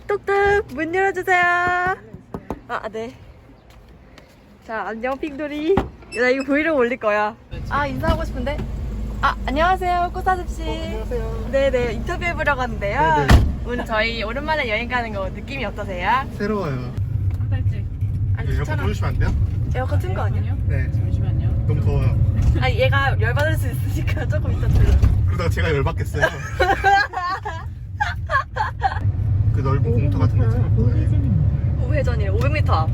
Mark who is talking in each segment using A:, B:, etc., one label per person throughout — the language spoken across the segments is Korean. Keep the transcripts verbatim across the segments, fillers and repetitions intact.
A: 똑똑 문 열어주세요. 아, 네. 자, 안녕 핑돌이. 나 이거 브이로그 올릴 거야. 아, 인사하고 싶은데. 아, 안녕하세요 꽃사슴씨.
B: 어, 안녕하세요.
A: 네네, 인터뷰해보려고 하는데요.
B: 네네.
A: 오늘 저희 오랜만에 여행 가는 거 느낌이 어떠세요?
B: 새로워요.
C: 한 달째.
A: 아니,
B: 에어컨
A: 귀찮아.
B: 꺼주시면 안 돼요?
A: 에어컨 튼 거 아니야?
B: 네.
C: 잠시만요.
B: 너무 더워요.
A: 아니, 얘가 열받을 수 있으니까 조금 이따 틀려.
B: 그러다가 제가 열받겠어요. 그 넓은 공터 같은 데 있잖아.
A: 우회전이래. 오백 미터 앞.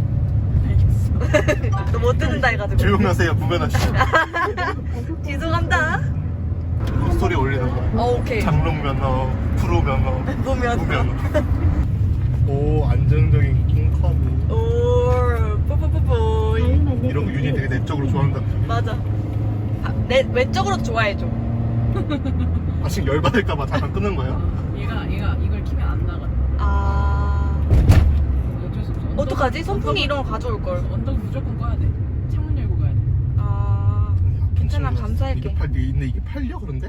A: 너 못 듣는다 해가지고.
B: 조용하세요. 구면하시죠.
A: 죄송합니다.
B: 스토리 올리는 거야.
A: 어, 오케이.
B: 장롱 면허, 프로 면허,
A: 보면.
B: 후면허. 오, 안정적인 킹커브.
A: 오, 뽀뽀뽀뽀.
B: 이런 거 윤이 되게 내적으로 좋아한다.
A: 맞아. 아, 내 왼쪽으로 좋아해줘.
B: 아, 지금 열받을까봐 잠깐 끄는 거예요?
C: 얘가 얘가 이걸 키면 안 나가.
A: 아,
C: 어쩔 수 없어. 언덕-
A: 어떡하지? 선풍기 이런 거 가져올 걸.
C: 언덕 무조건 꺼야 돼. 창문 열고 가야 돼.
A: 아, 괜찮아,
B: 이게
A: 감사할게.
B: 팔, 근데 이게 팔려 그런데?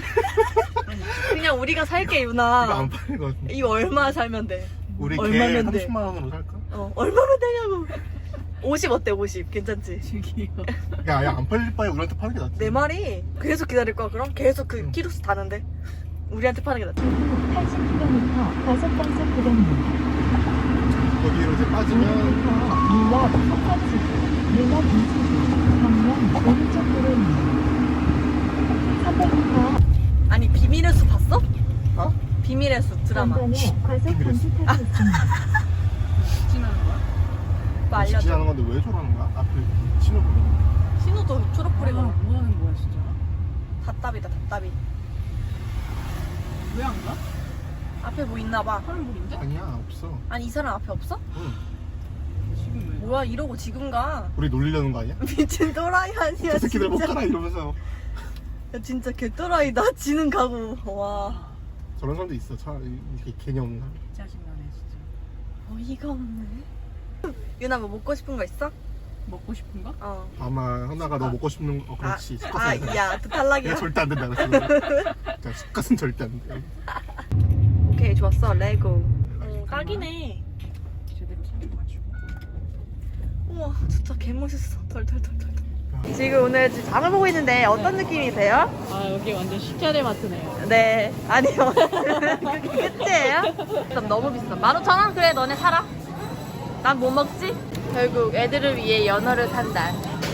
A: 그냥 우리가 살게
B: 이거
A: 유나.
B: 안 팔릴 것 같은데.
A: 이거 얼마 살면 돼?
B: 우리
A: 얼마면
B: 걔
A: 돼?
B: 삼십만 원으로 살까?
A: 어, 얼마면 되냐고. 오십 어때? 오십 괜찮지?
C: 저기요.
B: 야, 야, 안 팔릴 바에 우리한테 파는 게 낫지.
A: 내 말이 계속 기다릴 거야. 그럼 계속 그
B: 응.
A: 키로수 다는데 우리한테 파는 게 낫지.
D: 팔십 킬로미터 과속 단속 구간입니다.
B: 거기로 이제 빠지면
D: 밀락 석가치구, 밀락 인치구, 방면 오른쪽 도로입니다. 삼백 미터
A: 아니, 비밀의 숲 봤어?
B: 어?
A: 비밀의 숲 드라마.
D: 전방에 과속 단속하고 있습니다.
C: 직진하는 거야?
A: 뭐 알려줘.
B: 직진하는 건데 왜 저러는 거야? 앞에 신호보면.
A: 신호도 초록불이가
C: 아, 뭐 하는 거야 진짜?
A: 답답이다, 답답이.
C: 왜 안 가?
A: 앞에 뭐 있나 봐.
C: 파란불인데?
B: 아니야, 없어.
A: 아니, 이 사람 앞에 없어?
B: 응.
C: 지금 왜?
A: 뭐야, 이러고 지금 가.
B: 우리 놀리려는 거 아니야?
A: 미친 또라이 아니야,
B: 저 새끼들 못
A: 진짜.
B: 가라 이러면서.
A: 야, 진짜 개또라이다. 지는 가고. 와,
B: 저런 사람도 있어. 차라리 이렇게 개념 없는 사람.
C: 짜증나네 진짜.
A: 어이가 없네. 유나 뭐 먹고 싶은 거 있어?
C: 먹고 싶은 거?
A: 어.
B: 아마 하나가 너 먹고 싶는 거. 어, 그렇지.
A: 아,
B: 숟가스.
A: 아, 야, 또 탈락이야.
B: 이거 절대 안 된다 그랬어. 자, 숟가스는 절대 안 돼.
A: 오케이, 좋았어. 레고. 어, 딱이네.
C: 제대로 설명해주고.
A: 우와, 진짜 개멋있어. 덜덜덜덜. 지금 오늘 지금 장을 보고 있는데 어떤 느낌이세요?
C: 아 여기 완전 식자재 마트네요.
A: 네, 아니요. 그게 끝이에요? 일단 너무 비싸. 만 오천 원? 그래, 너네 사라. 난 뭐 먹지? 결국 애들을 위해 연어를 산다.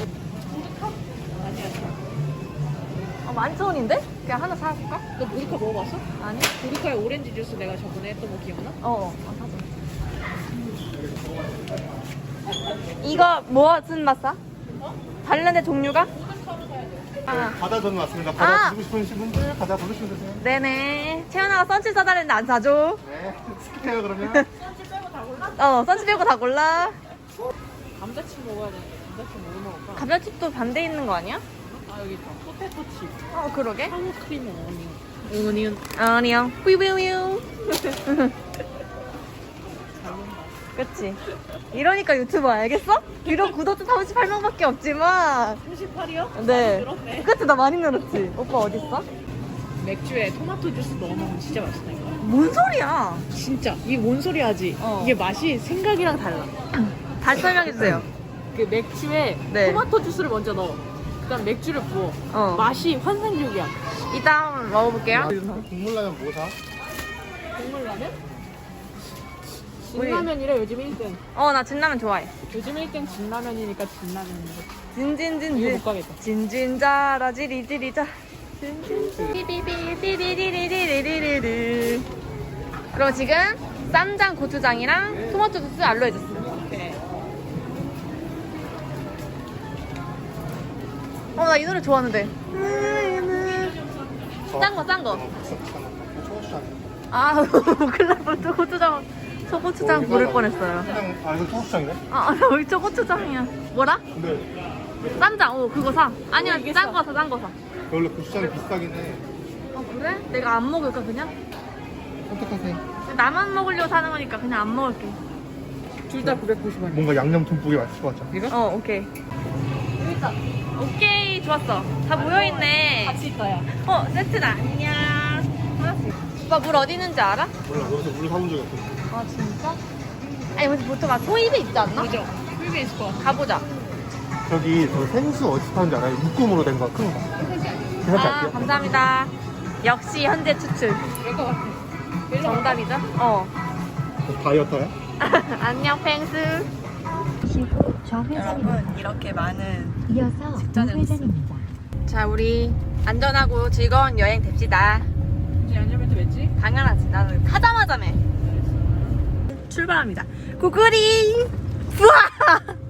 C: 아니야.
A: 어, 만천 원인데? 그냥 하나 사갈까?
C: 너 보리카 먹어봤어?
A: 아니?
C: 보리카의 오렌지 주스 내가 저번에 했던 거 기억나?
A: 어, 어, 사자. 이거 무슨 맛 사? 다른데 종류가? 아,
B: 바다 전 왔습니다. 바다
A: 아.
B: 드시고 싶으신 분들 바다 부르시면 되세요.
A: 네네. 채연아가 선치 사달랬는데 안 사줘.
B: 네. 스킵해요 그러면.
A: 어, 선치 빼고 다 골라.
C: 감자칩 먹어야 돼. 감자칩 뭐 먹을까?
A: 감자칩도 반대 있는 거 아니야?
C: 아 여기 있다. 포테토 칩.
A: 어, 그러게.
C: 하우 크림 어니언. 어니언.
A: 아니요. 삐삐삐.
C: 잘 먹는다.
A: 그치. 이러니까 유튜버 알겠어? 비록 구독자 삼십팔 명밖에 없지만.
C: 삼십팔이요?
A: 네.
C: 늘었네.
A: 그치, 나 많이 늘었지. 오빠 어딨어?
C: 맥주에 토마토 주스 넣어 먹으면 진짜 맛있다니까.
A: 뭔 소리야?
C: 진짜 이게 뭔 소리 하지?
A: 어.
C: 이게 맛이 생각이랑 달라.
A: 다시 설명해주세요.
C: 그 맥주에
A: 네.
C: 토마토 주스를 먼저 넣어. 그다음 맥주를 부어.
A: 어.
C: 맛이 환상적이야.
A: 이따 한번 먹어볼게요.
B: 국물 라면 뭐 사?
C: 국물 라면?
A: 우리-
C: 진라면이래 요즘 일 등.
A: 어, 나 진라면 좋아해.
C: 요즘 일 등 진라면이니까 진라면인데. 이거
A: 진진진진.
C: 못 가겠다.
A: 진진자라 지리지리자. 진진진. 띠비비띠리리리리리리리리. 그럼 지금 쌈장 고추장이랑 토마토 주스 알로에 주스.
C: 오케이.
A: 어, 나 이 노래 좋아하는데. 짠 거, 짠 거.
B: 초고추장.
A: 아, 큰일 날 뻔. 고추장, 저 고추장 부를 뻔했어요.
B: 그냥 아 이거 초고추장이네?
A: 아, 나 저 고추장이야. 뭐라?
B: 근데
A: 쌈장, 오, 그거 사. 아니야,
C: 이게
A: 짠
C: 싸.
A: 거 사, 짠 거 사.
B: 원래 고추장이 비싸긴 해.
A: 아, 그래? 내가 안 먹을까, 그냥?
B: 선택하세요.
A: 나만 먹으려고 사는 거니까 그냥 안 먹을게.
C: 둘 다 구백구십 원.
B: 뭔가 양념 듬뿍이 맛있을 것 같죠?
C: 이거?
A: 어, 오케이. 여기다. 오케이, 좋았어. 다 모여있네.
C: 같이 있다야.
A: 어, 세트다. 안녕. 하나씩. 오빠 물 어디 있는지 알아?
B: 몰라 여기서 물 사본 적이 없어.
A: 아 진짜? 아니 근데 보통 막 소입에 있지 않나?
C: 그죠? 풀게 있을 것 같아.
A: 가보자.
B: 저기 저 생수 어디서 파는지 알아요? 묶음으로 된 거 큰 거. 그냥
A: 아
B: 갈게요.
A: 감사합니다. 역시 현재 추출.
C: 그럴 것 같아.
A: 정답이죠? 어.
B: 어, 다이어터야?
A: 안녕 펭수.
D: 시후 좌회전입니다.
A: 이렇게 많은.
D: 이어서
A: 직전에
D: 우회전입니다.
A: 자 우리 안전하고 즐거운 여행 됩시다.
C: 이제 안전벨트 맸지?
A: 당연하지. 나는 타자마자 매. 출발합니다. 구글이. 우와.